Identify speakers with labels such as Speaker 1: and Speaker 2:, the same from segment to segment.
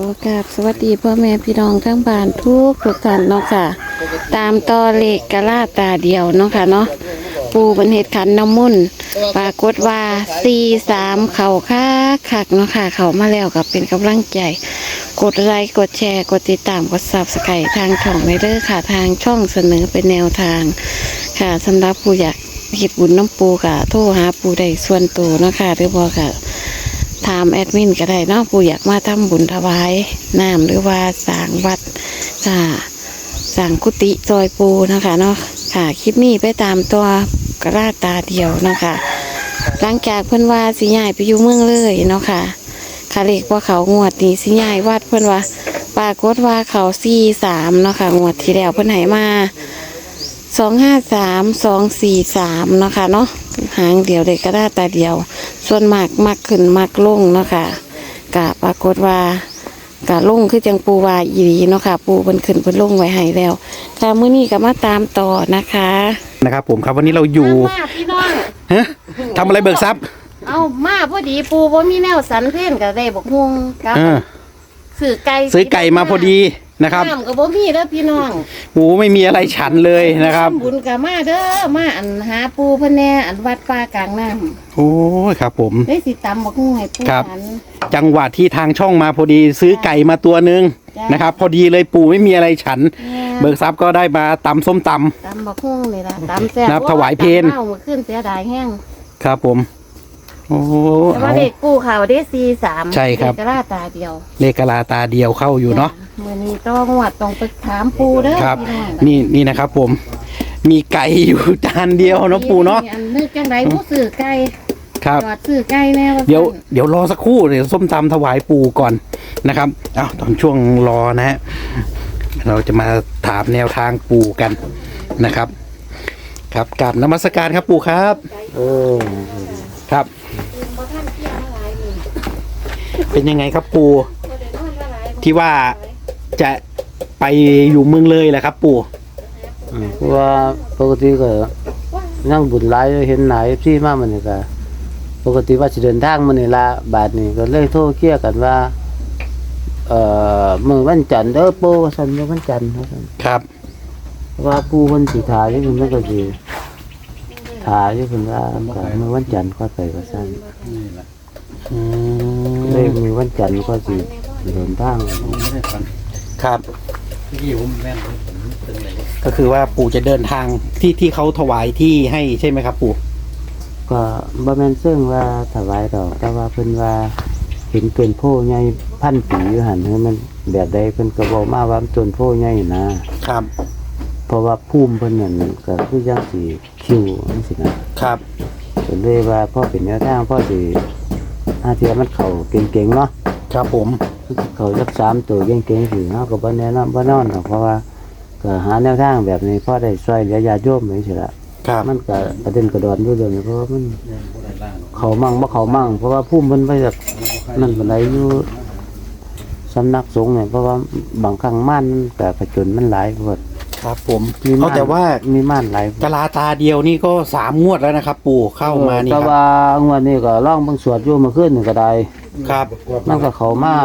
Speaker 1: กราบสวัสดีพ่อแม่พี่น้องทั้งบ้านทุกท่านเนาะค่ะตามต่อเลขกะลาตาเดียวเนาะค่ะเนาะปูเป็นเหตุขันน้ำมุ่นปรากฏว่า43เข่าคักเนาะค่ะเขามาแล้วกับเป็นกำลังใจกดไลค์กดแชร์กดติดตามกดSubscribeทางช่องเด้อค่ะทางช่องเสนอเป็นแนวทางค่ะสำหรับผู้อยากเฮ็ดบุญน้ำปูค่ะโทรหาปูได้ส่วนตัวเนาะค่ะหรือบ่ค่ะถามแอดมินก็ได้เนาะปูอยากมาทำบุญถวายน้ำหรือว่าสร้างวัดค่ะสร้างกุฏิซอยปูนะคะเนาะค่ะคลิปนี้ไปตามตัวกระลาตาเดียวเนาะค่ะหลังจากเพิ่นว่าสิย้ายไปอยู่เมืองเลยเนาะค่ะคาเลขว่าเขางวดนี้สิย้ายวัดเพิ่นว่าปรากฏว่าเขา43เนาะค่ะงวดที่แล้วเพิ่นให้มา253 243เนาะค่ะเนาะหางเดียวเลยกระลาตาเดียวส่วนมากมักขึ้นมักลงเนาะค่ะกะปรากฏว่ากะลงคือจังปูว่าอีหลีเนาะค่ะปูเพิ่นขึ้นเพิ่นลงไว้ให้แล้วค่ะมื้อนี้ก็มาตามต่อนะคะ
Speaker 2: นะครับผมครับวันนี้เราอยู่
Speaker 1: มาพี่น้อง
Speaker 2: ฮะทำอะไรเบิกทรัพย์
Speaker 1: เอามาพอดีปูบ่มีแนวสันเพนก็ได้บกฮวงครับซื้อไก่
Speaker 2: มาพอดีนะครับ
Speaker 1: น้ำก็บ่มีเด้อพี่น้อง
Speaker 2: หมูไม่มีอะไรฉันเลยนะครับ
Speaker 1: บุญก็มาเด้อมาอันหาปูเพิ่นแน่อันวัดป่ากลางน้ำ
Speaker 2: โอ้ยครับผม
Speaker 1: ได้สิตำบักฮวงให้ปูฉัน
Speaker 2: จังหวะที่ทางช่องมาพอดีซื้อไก่มาตัวนึงนะครับพอดีเลยปู่ไม่มีอะไรฉันเบิกทรัพย์ก็ได้มาตำส้มต
Speaker 1: ำบักฮวงนี่ล่ะตำแซ่บ
Speaker 2: นับถวายเพล
Speaker 1: เอามาขึ้นเสียดายแห้ง
Speaker 2: ครับผมโอ้
Speaker 1: แต่ว่าเด็กกู้ข่าวได้43
Speaker 2: ใช่ครับ
Speaker 1: เลขกะลาตาเดียว
Speaker 2: เลขกะลาตาเดียวเข้าอยู่เนาะ
Speaker 1: มื้อนี้ต้องงวดต้องไปถามปูเด้อ
Speaker 2: ครับนี่นะครับผมมีไก่อยู่จานเดียวเนาะปู่เนาะ
Speaker 1: นึกจังได๋บ่ซื้อไก่
Speaker 2: ครับ
Speaker 1: จอดซื้อไก่แน่
Speaker 2: เดี๋ยวรอสักครู่เดี๋ยวส้มตำถวายปู่ก่อนนะครับตอนช่วงรอนะฮะเราจะมาถามแนวทางปู่กันนะครับครับกราบนมัสการครับปู่ครับครับเป็นยังไงครับปู่ที่ว่าจะไปอยู่เมืองเลยแหละครับปู่
Speaker 3: เพราะว่าปกติก็นั่งบุญหลายเห็นหลายพี่มากมันนี่ก็ปกติว่าจะเดินทางมันนี่ละบาทนี่ก็เลยโทรเคลียร์กันว่ามื้อวันจันทร์ปู่ว่าซั่นมื้อวันจันทร์
Speaker 2: ครับ
Speaker 3: ว่าปู่เพิ่นสิถ่ายอยู่เพิ่นก็สิถ่ายอยู่เพิ่นว่ามื้อวันจันทร์ก็ไปว่าซั่นเลยมื้อวันจันทร์ก็สิเดินทาง
Speaker 2: ครับก็คือว่าปู่จะเดินทางที่เขาถวายที่ให้ใช่ไหมครับปู่
Speaker 3: ก็บ่แม่นซึ่งว่าถวายดอกแต่ว่าเพิ่นว่าเห็นต้นโพใหญ่พันปีอยู่หั่นมันแบบใดเพิ่นก็บอกมาว่าต้นโพใหญ่นะครับเพราะว่าภูมิเพิ่นนั่นก็คือจังสิคิวจังซี่นะครับก็เลยว่าพอเป็นแนวทางพอสิอาเทียมันเข้าเก่งๆเนาะ
Speaker 2: ครับผม
Speaker 3: เขาสัก3ตัวเก่งๆสิเฮาก็บ่แนะนำบ่นอนหรอกเพราะว่าก็หาแนวทางแบบนี้พอได้ช่วยเหลือญาติโยมจังซี่ล่ะมันก็ประเด็นกระดอนอยู่เดี๋ยวนี้เพราะว่ามันเขามั่งบ่เขามั่งเพราะว่าภูมิเพิ่นไปจากนั่นปานใดอยู่สำนักสงฆ์เนี่ยเพราะว่าบางครั้งม่านก็ผจญมันหลายเบิด
Speaker 2: ครับผมเขาแต่ว่า
Speaker 3: มีม่านหลาย
Speaker 2: กะลาตาเดียวนี่ก็3งวดแล้วนะครับปู่เข้ามานี่ครับ
Speaker 3: แต่ว่างวดนี้ก็ร้องเบิ่งสวดอยู่เมื่อคืนนี่ก็ได้
Speaker 2: ครับ
Speaker 3: มันก็เข้ามา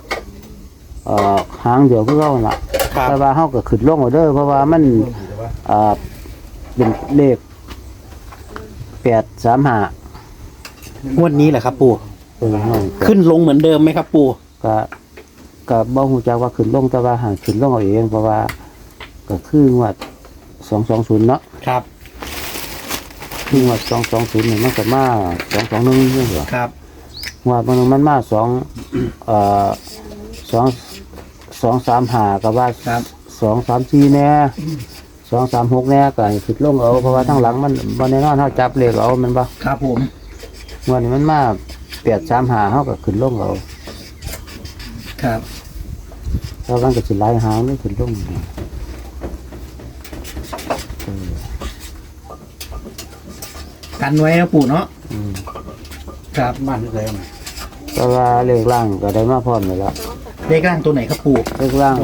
Speaker 3: หางเดียวคือเก่าล่ะแต่ว่าเฮาก็ขึ้นลงเอาเด้อเพราะว่ามันเป็นเลข835
Speaker 2: งวดนี้แหละครับปู่ขึ้นลงเหมือนเดิมไหมครับปู่
Speaker 3: ก็บ่ฮู้จักว่าขึ้นลงแต่ว่าหาขึ้นลงเอาเองเพราะว่าก็คืองวด220เนาะ
Speaker 2: ครับ
Speaker 3: คืองวด220นี่มันก็มา221นี่เหรอ
Speaker 2: ครับ
Speaker 3: งวดมันมา235ก็ว่า234แน่236แน่ก็ขึ้นลงเอาเพราะว่าทั้งหลังมันบ่แน่นอนเฮาจับเลขเอามันบ่
Speaker 2: ครับผม
Speaker 3: งวดนี้มันมา835เฮาก็ขึ้นลงเอา
Speaker 2: ครับ
Speaker 3: แล้วมันก็สิหลายหางนี่ขึ้นลง
Speaker 2: กันไว้นะปู่เนาะครับบ้านเลย
Speaker 3: แต่ว่าเลขล่างก็ได้มาพร้อมแล้ว
Speaker 2: เลขล่างตัวไหนครับปู่
Speaker 3: เลขล่าง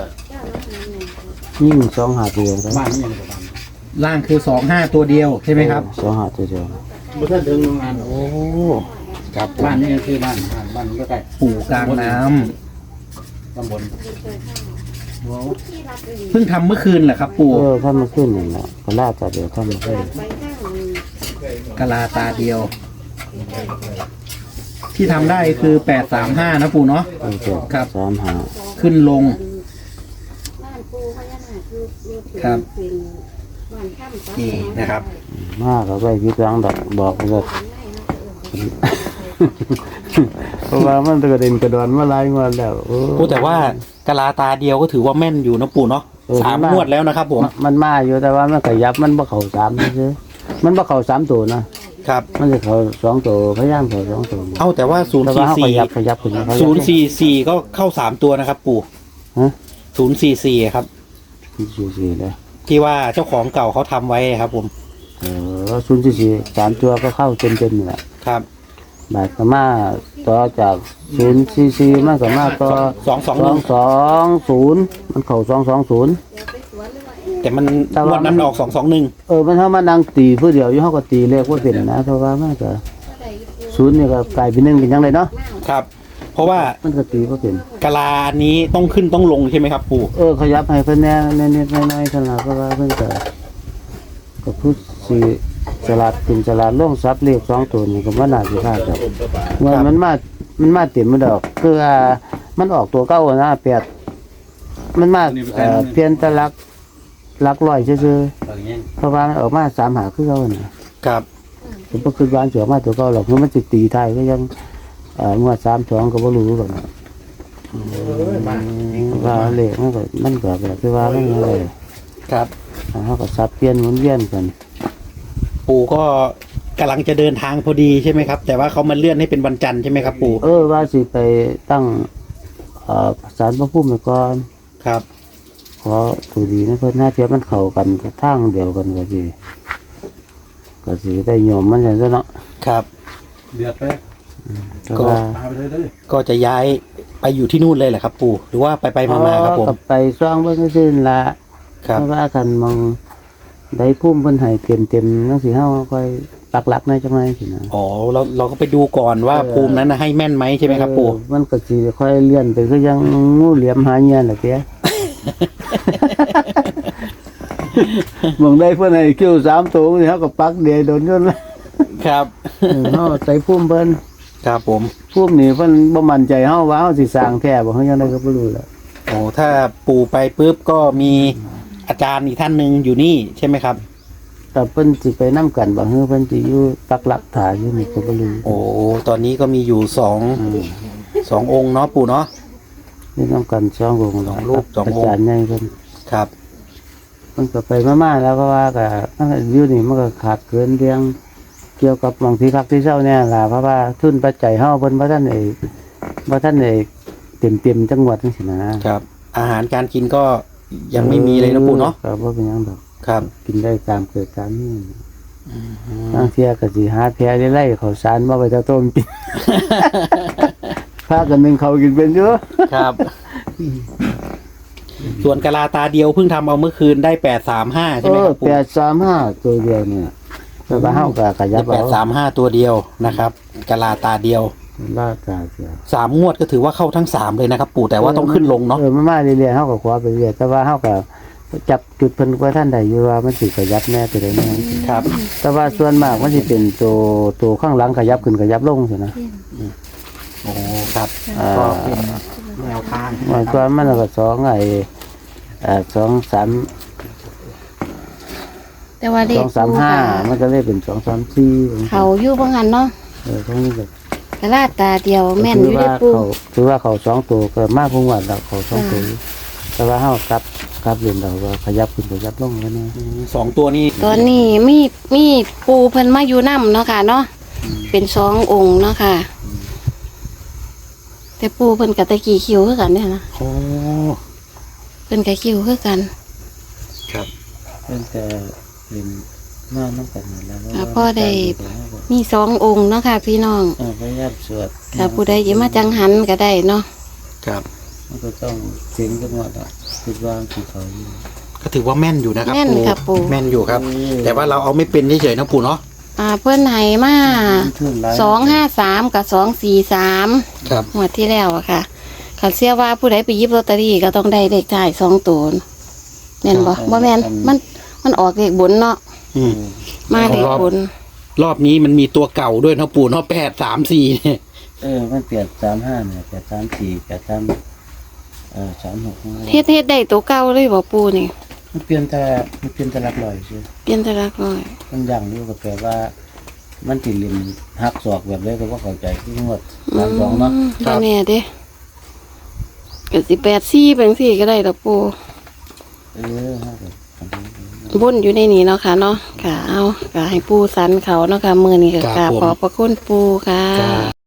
Speaker 3: ยิ่ง2-5ตัว
Speaker 2: บ้านนี่ยังล่างคือ25ตัวเดียวใช่ไหมครับ
Speaker 3: 2-5ตัวเดียว
Speaker 2: บ่ทันถึงงานโอ้ครับบ้านนี่คือบ้านก็ใกล้ปู่กลางน้ำข้างบนเพิ่งทำเมื่อคืนเหรอครับ ปู่
Speaker 3: ถ้ามาขึ้นนี่แหละก็ล่าจะเดี๋ยวเข้ามาขึ้น
Speaker 2: กะลาตาเดียว ที่ทำได้คือ835นะปู่เนาะ ครับ
Speaker 3: 3-5
Speaker 2: ขึ้นลง ครับนี่นะครับ
Speaker 3: มากก็ไปพิจารณาบอกเลย เพราะว่ามันกระเด็นกระดอนมาหลายงวดแล้ว
Speaker 2: ปู่แต่ว่ากะลาตาเดียวก็ถือว่าแม่นอยู่นะปู่เนาะ3 งวดแล้วนะครับผม
Speaker 3: มันมาอยู่แต่ว่ามันขยับมันบ่เข้า3ซื่อมันบ่เข้า3ตัวนะครับมันจะเข้า2ตัวพยายามเข้า2ตัว
Speaker 2: เอาแต่ว่า
Speaker 3: แต่ว่าเขาขยับขึ้นมา
Speaker 2: 044ก็เข้า3ตัวนะครับ ปู่
Speaker 3: ฮะ
Speaker 2: 044ครับ
Speaker 3: 044เลย
Speaker 2: ที่ว่าเจ้าของเก่าเขาทำไว้ครับผม
Speaker 3: 044 3ตัวก็เข้าเต็มๆนี่แหละ
Speaker 2: ครับ
Speaker 3: บาดก็มาต่อจาก044มันก็มาต่อ 220มันเข้า220
Speaker 2: แต่มันงวดนั้นออก221
Speaker 3: มันเฮามานั่งตีผู้เดียวอยู่เฮาก็ตีเลขบ่เป็นนะเพราะว่ามันก็0นี่ก็กลายเป็น1เป็นจังไดเนาะ
Speaker 2: ครับ เพราะว่า
Speaker 3: มันก็ตีบ่เป็น
Speaker 2: กะลานี้ต้องขึ้นต้องลงใช่ไหมครับ ปู่
Speaker 3: ขยับให้เพิ่นแน่นิดๆหน่อยๆซั่นล่ะเพราะว่าเพิ่นก็พูดสิฉลาดขึ้นฉลาดลงซับเลข2ตัวนี่ก็บ่น่าสิพลาดดอกว่ามันมาเต็มมันดอกคือมันออกตัวเก่านะ8มันมาเพียงแต่หลักร้อยซื่อๆเพราะว่ามันออกมา3หาคือเก่าน่ะ
Speaker 2: ครับ
Speaker 3: ผมบ่คิดว่าสิออกมาตัวเก่าหรอกเพราะมันสิตีท้ายก็ยังงวด32ก็บ่รู้หรอกนะว่าเลขมันก็แบบที่ว่ามันอะไร
Speaker 2: ครับ
Speaker 3: เขาก็สับเปลี่ยนหมุนเวียนกัน
Speaker 2: ปู่ก็กำลังจะเดินทางพอดีใช่ไหมครับ แต่ว่าเขามาเลื่อนให้เป็นวันจันทร์ใช่ไหมครับ ปู่
Speaker 3: ว่าสิไปตั้งศาลพระภูมิไว้ก่อน
Speaker 2: ครับ
Speaker 3: ขอถูดีนะเพิ่นหน้าเทียบมันเข้ากันทางเดียวกันก็สิได้โยมมันจังซั่นเนาะ
Speaker 2: ครับ
Speaker 4: เดือดไป
Speaker 3: แต่
Speaker 2: ก็
Speaker 3: ว่า
Speaker 4: พาไปเลย
Speaker 2: ก็จะย้ายไปอยู่ที่นู่นเลยแหละครับ ปู่หรือว่าไปมาครับผม
Speaker 3: ก็ไปซ่องเบิ่งซื่อๆนั่นล่ะ
Speaker 2: ครับ
Speaker 3: เพราะว่ากันมองได้ภูมิเพิ่นให้เต็มๆจังสิเฮาค่อยปักหลักในจังได๋สินะ
Speaker 2: อ๋อเราก็ไปดูก่อนว่าภูมินั้นนะให้แม่นไหมใช่ไหมครับ ปู่
Speaker 3: มันก็สิค่อยเลื่อนไปคือยังงูเหลี่ยมหาเหยื่อน่ะเตี้ย มองได้เพิ่นให้คิว3ตัวนี่เฮาก็ปักเดียวโดนยนต์ละ
Speaker 2: ครับ
Speaker 3: เฮาใส่ภูมิเพิ่น
Speaker 2: ครับผม
Speaker 3: ภูมินี่เพิ่นบ่มั่นใจเฮาว่าเฮาสิสร้างแท้บ่เฮายังไดก็บ่รู้แหละ
Speaker 2: โอ้ถ้าปู่ไปปุ๊บก็มีอาจารย์อีกท่านหนึ่งอยู่นี่ใช่ไหมครับ
Speaker 3: แต่เพิ่นสิไปนํกันบ่ฮือเพิ่นสิอยู่ปักหลักฐานอยู่นี่ก็บ่รู้
Speaker 2: โอ้ตอนนี้ก็มีอยู่สององค์เนาะปู่เนาะ
Speaker 3: นี่นํกัน2วง
Speaker 2: สองรูปสององค์
Speaker 3: อาจารย์ใหญ่เพิ่น
Speaker 2: ครับ
Speaker 3: มันก็ไปมาๆแล้วก็ว่าก็มันก็อยู่นี่มันก็ขาดเกินเรื่องเกี่ยวกับบางที่พักที่เช่าเนี่ยล่ะเพราะว่าทุนปัจจัยเฮาเพิ่นบ่ทันได้เต็มจังหวัดจังซี่นะครับ
Speaker 2: อาหารการกินก็ยังไม่มีเลยนะปู่เนาะ
Speaker 3: ก็บ่เป็นหยังดอก
Speaker 2: ครับ
Speaker 3: กินได้ตามเกิดตามนี้บางเที่ยก็สิหาแพไล่ข้าวสารมาไว้ต้มกิน พากันนึงเขากินเป็นอยู่
Speaker 2: ครับ ส่วนกะลาตาเดียวเพิ่งทำเอาเมื่อคืนได้835ใช่ไหมครับปู่
Speaker 3: 835ตัวเดียวเนี่ยแต่ว่าเฮาก็ขยับเอา
Speaker 2: 835ตัวเดียวนะครับกะลาตาเดียว
Speaker 3: ลาตาเสีย
Speaker 2: 3 งวดก็ถือว่าเข้าทั้ง3เลยนะครับ ปู่แต่ว่าต้องขึ้นลงเนาะ
Speaker 3: มันมาเรื่อยๆเฮาก็ขอไปเรื่อยแต่ว่าเฮาก็จับจุดเพิ่นว่าท่านใดอยู่ว่ามันสิขยับแน่ตัวใดแน่
Speaker 2: ครับ
Speaker 3: แต่ว่าส่วนมากมันสิเป็นตัวข้างหลังขยับขึ้นขยับลงซั่นนะ
Speaker 2: โอ้ครับก็เป็นแนวทาง
Speaker 3: มันก็มันก็2 3
Speaker 1: แต่ว่าเลข
Speaker 3: 235มันก็เลยเป็น234
Speaker 1: เขาอยู่บ่หันเนาะ
Speaker 3: ตรงนี้ก็
Speaker 1: กะลาตาเดียวแม่นอยู่ได้ปู
Speaker 3: ถือว่าเขา2ตัวก็มากกว่าแล้วเขา2ตัวแต่ว่าเฮากลับเรียนเราว่าขยับขึ้นขยับลงแล้วนี่
Speaker 2: 2 ตัวนี้
Speaker 1: ตอนนี้มีปูเพิ่นมาอยู่นำเนาะค่ะเนาะเป็น2 องค์เนาะค่ะ แต่ปูเพิ่นก็ตะกี้คิวคือกันเนี่ยนะ
Speaker 2: โอ้
Speaker 1: เพิ่นก็คิวคือกัน
Speaker 2: ครับ
Speaker 3: เพิ่นแต่เรียนมานำกันนั่นแหละ
Speaker 1: พ่อได้มี2 องค์เนาะค่ะ พี่น้อง
Speaker 3: พยายามสวด
Speaker 1: ถ้าผู้ใดสิมาจังหันก็ได้เนาะ
Speaker 2: ครับ
Speaker 3: มันก็ต้องเสียงจังหวัดอ่ะคิดว่าสิเขาอยู่
Speaker 2: ก็ถือว่าแม่นอยู่นะครับ
Speaker 1: แม่นค่ะปู่
Speaker 2: แม่นอยู่ครับ แต่ว่าเราเอาไม่เป็นเฉยๆนะปู่เนาะ
Speaker 1: เพิ่นให้มา253กับ243
Speaker 2: ครับ
Speaker 1: งวดที่แล้วอะค่ะขันเสียว่าผู้ใดไปหยิบลอตเตอรี่ก็ต้องได้เลขท้าย2 ตัวแม่นบ่บ่แม่นมันออกเลขบนเนาะ
Speaker 2: อืม
Speaker 1: มาเลขบน
Speaker 2: รอบนี้มันมีตัวเก่าด้วยเนาะปู่เนาะ834เนี่ย
Speaker 3: มันเปลี่ยน35เนี่ย834 83 36
Speaker 1: เฮ็ดได้ตัวเก่าเลยบ่ปูนี่
Speaker 3: มันเปลี่ยนแต่หลักร้อยซื่อ
Speaker 1: เปลี่ยนแต่ละร้อย
Speaker 3: มันอย่างอยู่ก็แปลว่า มันสิเล่นหักศอกแบบใดก็บ่เข้าใจคืองวด32เนาะ
Speaker 1: บ่แน่เด้ก็สิ84เป็นสี่ก็ได้ดอกปู
Speaker 3: ฮะ
Speaker 1: บนอยู่ในนี้เนาะค่ะเนาะค่ะเอาก็ให้ปูสันเขาเนาะค่ะมื้อนี้ก็กราบขอบพระคุณปูค่ะ